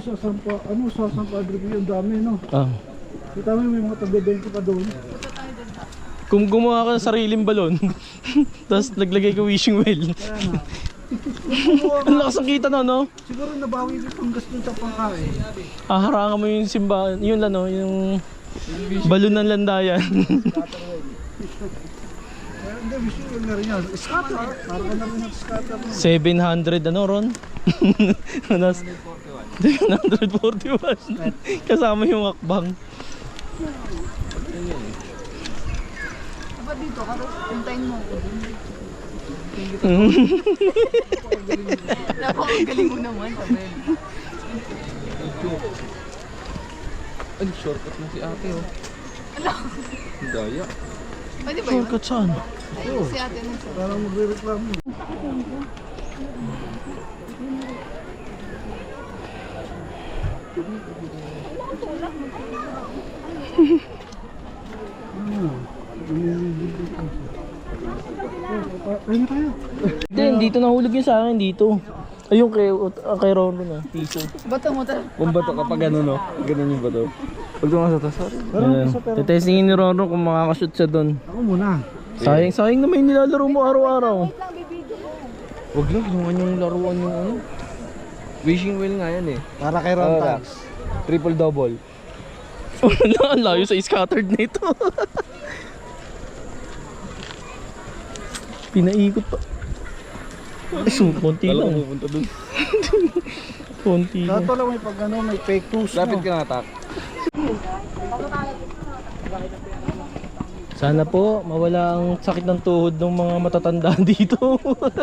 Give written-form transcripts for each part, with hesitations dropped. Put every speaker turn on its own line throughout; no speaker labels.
sa San Padre Pio, ang dami, no?
Ah.
Kita mo may mga taga-20 pa doon.
Kung gumawa ka ng sariling balon, tapos naglagay ka wishing well. Ang lakas ang kita na, no?
Siguro nabawi dito ang gasto sa pangkain.
Harangan mo yung simbahan, yun lang, no? Yung balon ng landayan.
Hindi, wishing well na rin yan. Scatter. Para ka na rin nag-scatter.
700 ano ron? 741. Kasama yung akbang.
Dapat dito, hintayin mo ako dun. Napakagaling mo naman, Abel.
Ay, shortcut na si ate, oh.
Ala,
Daya.
pwede ba yun?
Shortcut saan?
Si ate na siya.
Parang magre-reklamo. Ayun na tayo.
Hindi, dito nahulog yun sa akin dito. Ayun kay Ronron na, piso.
Bato mo talaga.
Kung bato kapag ano, no? Ganun yung bato. Pag tumas ito, sorry.
Tetestingin ni Ronron kung makakashoot siya doon.
Ako muna.
Sayang na may nilalaro mo araw-araw.
Huwag lang, ginawa niyong laruan yung ano. Wishing well nga yan, eh.
Para kay Ron
Relax.
Tags.
Triple double.
Wala, ang layo sa scattered na ito. Pinaikot pa. Ay, konti
Kala ko
lang.
pupunta dun.
Konti lang.
Dato lang may pag ano, may fake news.
Lapit ka na, tak.
Sana po mawala ang sakit ng tuhod ng mga matatanda dito.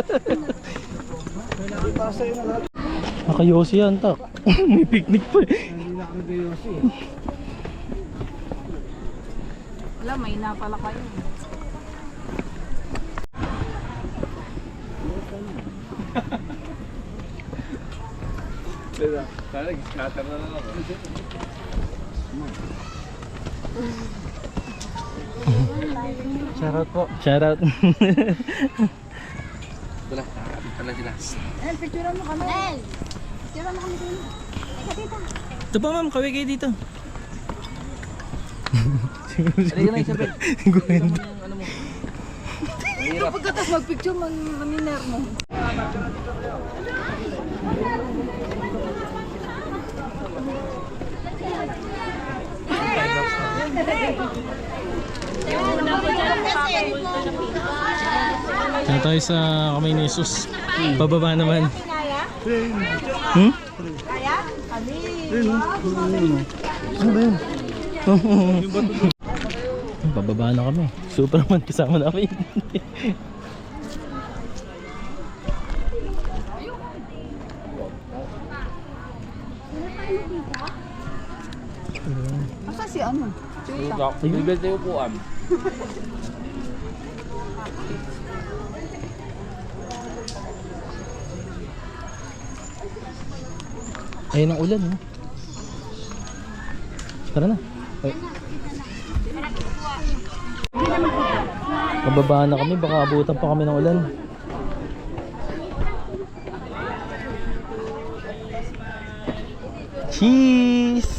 Pasa yun na lahat.
Nakayosi yan, tak. May picnic pa eh.
Hindi na kami gayosi.
Wala, may na pala kayo.
Sana nag-scatter na lang ako.
Shoutout po. Shoutout.
Wala, nakakapit pala sila.
El, picturean mo kami. El, picturean mo kami dito. Teka, tita.
Ito pa ma'am, kaway kayo dito.
Halika na, Isabel.
Gwenda.
Ano mo?
Ito pagkatas mag-picture, maniner mo.
Kaya tayo sa kamay ni Jesus. Pababa naman. Hmm? Ano ba yun? Pababa na kami. Superman kasama namin.
Asa si ano?
Bibel tayo upuan.
Ayun ang ulan, oh. Tara na. Ay. Pababa na kami, baka abutan pa kami ng ulan. Cheese!